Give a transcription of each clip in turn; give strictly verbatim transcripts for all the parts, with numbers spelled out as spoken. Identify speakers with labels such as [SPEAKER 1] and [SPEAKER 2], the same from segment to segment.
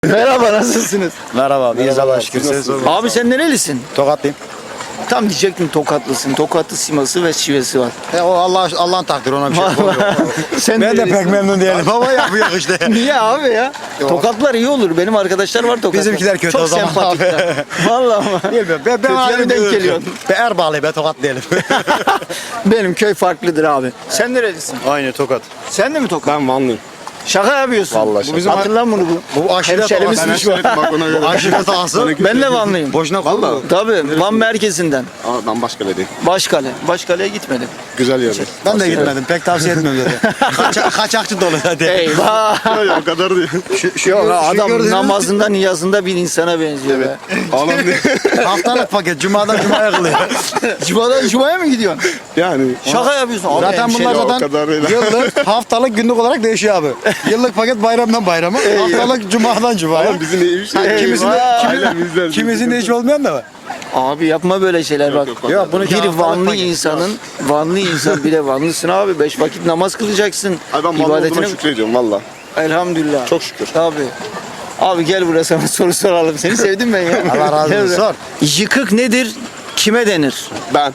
[SPEAKER 1] Merhaba, nasılsınız?
[SPEAKER 2] Merhaba, iyiyiz Allah'a şükür.
[SPEAKER 1] Abi sen nerelisin?
[SPEAKER 2] Tokatlıyım.
[SPEAKER 1] Tam diyecektim Tokatlısın. Tokatlı siması ve şivesi var.
[SPEAKER 2] E, o Allah Allah'ın takdiri, ona bir şey yapamıyor.
[SPEAKER 1] Sen
[SPEAKER 2] Ben de
[SPEAKER 1] nerelisin?
[SPEAKER 2] pek memnun değilim ama yapıyor işte.
[SPEAKER 1] Niye abi ya?
[SPEAKER 2] Yok.
[SPEAKER 1] Tokatlar iyi olur. Benim arkadaşlar var Tokatlar.
[SPEAKER 2] Bizimkiler kötü
[SPEAKER 1] Çok
[SPEAKER 2] o zaman
[SPEAKER 1] sempatikler.
[SPEAKER 2] abi.
[SPEAKER 1] Vallahi ama.
[SPEAKER 2] Bilmiyorum. Ben, ben
[SPEAKER 1] Kötüye
[SPEAKER 2] ayrı
[SPEAKER 1] mi denk
[SPEAKER 2] bir
[SPEAKER 1] geliyorsun?
[SPEAKER 2] Ben Erbağlıyım, ben Tokat değilim.
[SPEAKER 1] Benim köy farklıdır abi. Sen nerelisin?
[SPEAKER 3] Aynı Tokat.
[SPEAKER 1] Sen de mi Tokat?
[SPEAKER 3] Ben Vanlıyım.
[SPEAKER 1] Şaka yapıyorsun.
[SPEAKER 3] Vallahi şaka.
[SPEAKER 1] Bizim Hatırlan bunu bu.
[SPEAKER 2] Bu aşiret
[SPEAKER 1] Hemşerimizmiş
[SPEAKER 2] ağası.
[SPEAKER 1] bu.
[SPEAKER 3] Bak ona göre.
[SPEAKER 2] Aşiret ağası.
[SPEAKER 1] Ben de Vanlıyım.
[SPEAKER 2] Boşuna kurdu.
[SPEAKER 1] Tabii Van merkezinden.
[SPEAKER 3] Aa, ben Başkale'deyim.
[SPEAKER 1] Başkale. Başkale'ye gitmedim.
[SPEAKER 3] Güzel yer.
[SPEAKER 2] Ben de gitmedim. Pek tavsiye etmiyorum zaten. Kaça, kaçakçı dolu hadi.
[SPEAKER 1] Eyvah.
[SPEAKER 3] Hayır o kadar değil.
[SPEAKER 2] Şu, şu,
[SPEAKER 1] Yok
[SPEAKER 2] şu
[SPEAKER 1] adam
[SPEAKER 2] gördüğünüz
[SPEAKER 1] namazında niyazında bir insana benziyor be.
[SPEAKER 3] Ağlam değil.
[SPEAKER 2] haftalık paket. Cuma'dan Cuma'ya kılıyor.
[SPEAKER 1] Cuma'dan Cuma'ya mı gidiyorsun?
[SPEAKER 3] Yani.
[SPEAKER 1] Şaka yapıyorsun. Abi,
[SPEAKER 2] Zaten
[SPEAKER 1] hemşeri.
[SPEAKER 2] bunlar
[SPEAKER 3] o
[SPEAKER 2] zaten
[SPEAKER 3] kadar değil.
[SPEAKER 2] yıllık, haftalık, günlük olarak değişiyor abi. Yıllık paket bayramdan bayrama, haftalık Cuma'dan Cuma'ya.
[SPEAKER 3] Oğlum bizim neymiş?
[SPEAKER 1] Eyvah.
[SPEAKER 2] Kimisinde,
[SPEAKER 3] Ailemizden.
[SPEAKER 2] kimisinde hiç olmayan da var.
[SPEAKER 1] Abi yapma böyle şeyler bak.
[SPEAKER 3] yok, yok.
[SPEAKER 2] Yok bunu
[SPEAKER 1] Bir Vanlı insanın, Vanlı insan bir de Vanlısın abi. Beş vakit namaz kılacaksın.
[SPEAKER 3] Ay ben Vanlı olduğuma şükrediyorum valla.
[SPEAKER 1] Elhamdülillah.
[SPEAKER 3] Çok şükür.
[SPEAKER 1] Tabii. Abi gel buraya sana soru soralım. Seni sevdim ben ya.
[SPEAKER 2] Allah razı
[SPEAKER 1] Gel
[SPEAKER 2] olsun,
[SPEAKER 1] buraya.
[SPEAKER 2] sor.
[SPEAKER 1] Yıkık nedir? Kime denir?
[SPEAKER 3] Ben.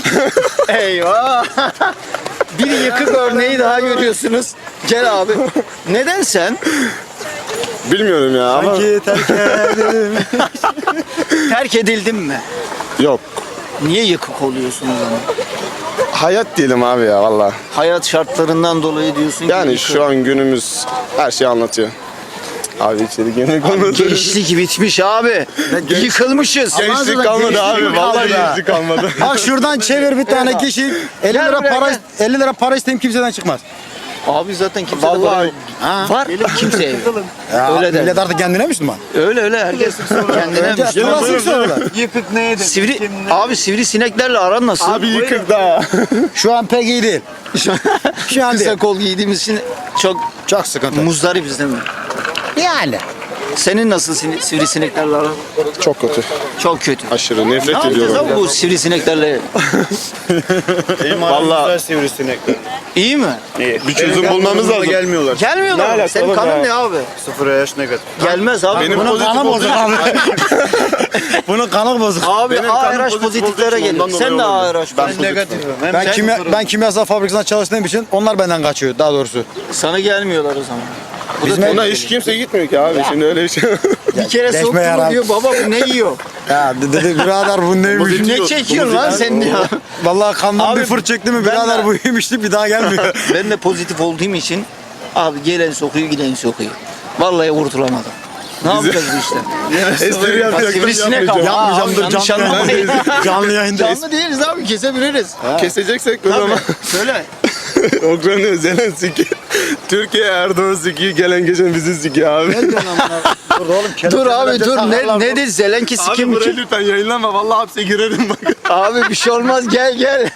[SPEAKER 1] Eyvah. Bir yıkık örneği daha görüyorsunuz. Gel abi. Neden sen?
[SPEAKER 3] Bilmiyorum ya ama.
[SPEAKER 2] Sanki terk edelim.
[SPEAKER 1] Terk edildin mi?
[SPEAKER 3] Yok.
[SPEAKER 1] Niye yıkık oluyorsun o zaman?
[SPEAKER 3] Hayat değilim abi ya valla.
[SPEAKER 1] Hayat şartlarından dolayı diyorsun ki
[SPEAKER 3] Yani
[SPEAKER 1] yıkık.
[SPEAKER 3] şu an günümüz her şeyi anlatıyor. Abi içeri girmek olmadı.
[SPEAKER 1] Gençlik bitmiş abi. Yıkılmışız.
[SPEAKER 3] Gençlik kalmadı abi. Vallahi
[SPEAKER 2] kaldı.
[SPEAKER 3] gençlik kalmadı.
[SPEAKER 2] Bak şuradan çevir bir tane kişi elli
[SPEAKER 1] Gel
[SPEAKER 2] lira
[SPEAKER 1] buraya,
[SPEAKER 2] para
[SPEAKER 1] gel.
[SPEAKER 2] elli lira para isteyeyim kimseden çıkmaz.
[SPEAKER 1] Abi zaten kimse de
[SPEAKER 3] Vallahi-
[SPEAKER 1] var.
[SPEAKER 2] Ha.
[SPEAKER 1] Var kimseye.
[SPEAKER 2] Ya,
[SPEAKER 1] Öyle der.
[SPEAKER 2] millet artık kendine Müslüman.
[SPEAKER 1] Öyle öyle herkes kendine
[SPEAKER 2] Önce
[SPEAKER 1] Müslüman.
[SPEAKER 2] klasik sorular.
[SPEAKER 4] Yıkık neydi?
[SPEAKER 1] Sivri, abi sivri sineklerle aran nasıl?
[SPEAKER 3] Abi yıkık daha.
[SPEAKER 2] Şu an pek iyi değil. Şu an
[SPEAKER 1] Kısa
[SPEAKER 2] değil.
[SPEAKER 1] kol giydiğimiz için çok
[SPEAKER 2] Çok sıkıntı.
[SPEAKER 1] muzdaribiz değil mi?
[SPEAKER 2] Yani.
[SPEAKER 1] Senin nasıl sin- sivrisineklerle aran?
[SPEAKER 3] Çok kötü.
[SPEAKER 1] Çok kötü.
[SPEAKER 3] Aşırı
[SPEAKER 1] Ne
[SPEAKER 3] nefret
[SPEAKER 1] yapacağız
[SPEAKER 3] ediyorum.
[SPEAKER 1] abi bu sivrisineklerle?
[SPEAKER 3] Valla
[SPEAKER 4] Sivrisinekler.
[SPEAKER 1] İyi mi?
[SPEAKER 3] bir çözüm bulmamız lazım.
[SPEAKER 4] Gelmiyorlar.
[SPEAKER 1] Gelmiyorlar mı?
[SPEAKER 3] alaka
[SPEAKER 1] Senin
[SPEAKER 3] oğlum
[SPEAKER 1] kanın
[SPEAKER 3] ya?
[SPEAKER 1] ne abi?
[SPEAKER 4] Sıfır yaş negatif.
[SPEAKER 1] Gelmez abi.
[SPEAKER 3] Benim
[SPEAKER 2] Bunun
[SPEAKER 3] pozitif
[SPEAKER 2] kanı
[SPEAKER 3] olduğu
[SPEAKER 2] bozuk abi. Bunun kanı bozuk.
[SPEAKER 1] Abi
[SPEAKER 3] Benim
[SPEAKER 1] A
[SPEAKER 3] kanım
[SPEAKER 1] R H
[SPEAKER 3] pozitif olduğu
[SPEAKER 1] pozitiflere
[SPEAKER 3] için
[SPEAKER 1] gelir.
[SPEAKER 3] ondan
[SPEAKER 1] Sen de
[SPEAKER 3] dolayı
[SPEAKER 1] A
[SPEAKER 3] olabilir.
[SPEAKER 1] R H
[SPEAKER 3] Ben
[SPEAKER 1] pozitif.
[SPEAKER 4] Negatifim. Hem
[SPEAKER 2] Ben
[SPEAKER 4] sen
[SPEAKER 2] kimya
[SPEAKER 4] sıfırım.
[SPEAKER 2] ben kimyasal fabrikasında çalıştığım için onlar benden kaçıyor daha doğrusu.
[SPEAKER 1] Sana gelmiyorlar o zaman. Bu da
[SPEAKER 2] Bizim
[SPEAKER 1] tehlikeli.
[SPEAKER 3] Ona hiç kimse gitmiyor ki abi. Şimdi öyle bir şey.
[SPEAKER 1] Bir kere
[SPEAKER 2] Leşme
[SPEAKER 1] soktu mu
[SPEAKER 2] yarar.
[SPEAKER 1] diyor baba bu ne yiyor?
[SPEAKER 2] Ya dedi birader bu neymiş?
[SPEAKER 1] Ne çekiyorsun lan sen ya?
[SPEAKER 2] Vallahi kandan
[SPEAKER 1] Abi,
[SPEAKER 2] bir fırt çekti mi
[SPEAKER 1] ben
[SPEAKER 2] birader
[SPEAKER 1] de-
[SPEAKER 2] bu iyiymişti bir daha gelmiyor.
[SPEAKER 1] Ben de pozitif olduğum için abi gelen sokuyor giden sokuyor. Vallahi kurtulamadım. Ne yapacağız bu işte?
[SPEAKER 3] Espri
[SPEAKER 1] Bak,
[SPEAKER 3] yapacaktım,
[SPEAKER 1] sivrisinek ama.
[SPEAKER 3] yapmayacağım.
[SPEAKER 1] Aa,
[SPEAKER 2] Yapmayacağım dur
[SPEAKER 1] yanlış
[SPEAKER 2] canlı
[SPEAKER 1] anlamayın.
[SPEAKER 2] yayındayız. Canlı yayındayız.
[SPEAKER 1] Canlı değiliz abi kesebiliriz.
[SPEAKER 3] Keseceksek o zaman.
[SPEAKER 1] Söyle.
[SPEAKER 3] Ukrayna Zelenski. Türkiye Erdoğan sikiyor. Gelen geçen bizi sikiyor abi.
[SPEAKER 2] Dur oğlum.
[SPEAKER 1] Dur abi dur ne ne dedi Zelenki
[SPEAKER 3] Abi
[SPEAKER 1] sikim
[SPEAKER 3] burayı
[SPEAKER 1] kim?
[SPEAKER 3] lütfen yayınlama. Vallahi hapse girerim bak.
[SPEAKER 1] Abi bir şey olmaz gel gel.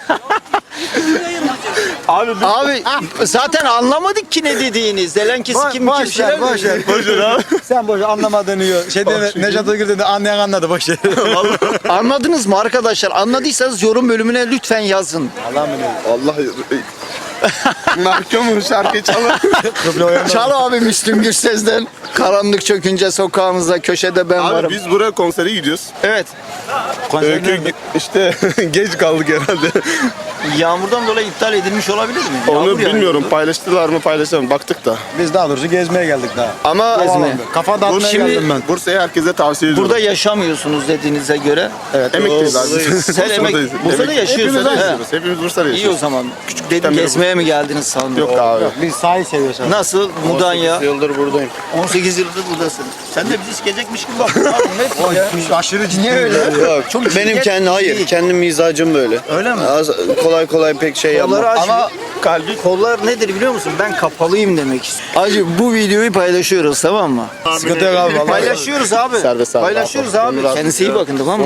[SPEAKER 3] Abi
[SPEAKER 1] Abi zaten anlamadık ki ne dediğini. Zelenki
[SPEAKER 2] Boş
[SPEAKER 1] sikim mi kim
[SPEAKER 2] boş
[SPEAKER 1] şeyler
[SPEAKER 2] ver boş ver.
[SPEAKER 1] dedi.
[SPEAKER 3] boş ver abi.
[SPEAKER 2] Sen boş anlamadığını yiyor. Şey de Nejat Uygur dedi anlayan anladı boş ver.
[SPEAKER 1] Anladınız mı arkadaşlar? Anladıysanız yorum bölümüne lütfen yazın.
[SPEAKER 2] Allah mı diyor?
[SPEAKER 3] Allah mahkumum şarkı çalar.
[SPEAKER 2] Kıble oyandı.
[SPEAKER 1] Çal abi Müslüm Gürses'den. Karanlık çökünce sokağımızda köşede ben
[SPEAKER 3] Abi
[SPEAKER 1] varım.
[SPEAKER 3] biz buraya konsere gidiyoruz.
[SPEAKER 1] Evet.
[SPEAKER 3] Öykü işte geç kaldık herhalde.
[SPEAKER 1] Yağmurdan dolayı iptal edilmiş olabilir mi?
[SPEAKER 3] Onu
[SPEAKER 1] Yağmur yağıyor.
[SPEAKER 3] bilmiyorum paylaştılar mı paylaşamadım baktık da.
[SPEAKER 2] Biz daha doğrusu gezmeye geldik daha.
[SPEAKER 3] Ama
[SPEAKER 1] Gezmeye.
[SPEAKER 2] Kafa dağıtmaya
[SPEAKER 1] Şimdi-
[SPEAKER 2] geldim ben.
[SPEAKER 3] Bursa'ya herkese tavsiye ediyorum.
[SPEAKER 1] Burada yaşamıyorsunuz dediğinize göre.
[SPEAKER 2] Evet.
[SPEAKER 3] emekliyiz abi.
[SPEAKER 1] Sen emek,
[SPEAKER 3] Bursa'dayız.
[SPEAKER 1] Bursa'da
[SPEAKER 3] Emek-
[SPEAKER 1] yaşıyorsun.
[SPEAKER 3] Hepimiz
[SPEAKER 1] He.
[SPEAKER 3] yaşıyoruz. Hepimiz Bursa'da
[SPEAKER 1] İyi o
[SPEAKER 3] yaşıyoruz.
[SPEAKER 1] zaman. Küçük dedim
[SPEAKER 3] beri
[SPEAKER 1] gezmeye mi geldiniz sandım.
[SPEAKER 3] Yok abi.
[SPEAKER 2] Biz sahil seviyoruz abi.
[SPEAKER 1] Nasıl? Mudanya.
[SPEAKER 4] Yıldır buradayım.
[SPEAKER 1] on sekiz yıldır buradasın. Sen de bizi sikecekmiş gibi bakıyorsun. Abi net ya.
[SPEAKER 2] Aşırı ciddi.
[SPEAKER 1] Niye öyle?
[SPEAKER 4] Yok.
[SPEAKER 1] Çok
[SPEAKER 4] Benim
[SPEAKER 1] ciddi
[SPEAKER 4] kendi hayır.
[SPEAKER 1] değil.
[SPEAKER 4] Kendim mizacım böyle.
[SPEAKER 1] Öyle mi?
[SPEAKER 4] Az, kolay kolay pek şey yapmam.
[SPEAKER 1] Kolları aç.
[SPEAKER 3] Ama kalbi
[SPEAKER 1] Kollar nedir biliyor musun? Ben kapalıyım demek istiyorum. Acı bu videoyu paylaşıyoruz tamam mı?
[SPEAKER 2] Sıkıntı yok abi vallahi.
[SPEAKER 1] Paylaşıyoruz abi.
[SPEAKER 3] Serbest abi.
[SPEAKER 1] Paylaşıyoruz abi. Kendinize iyi bakın tamam mı?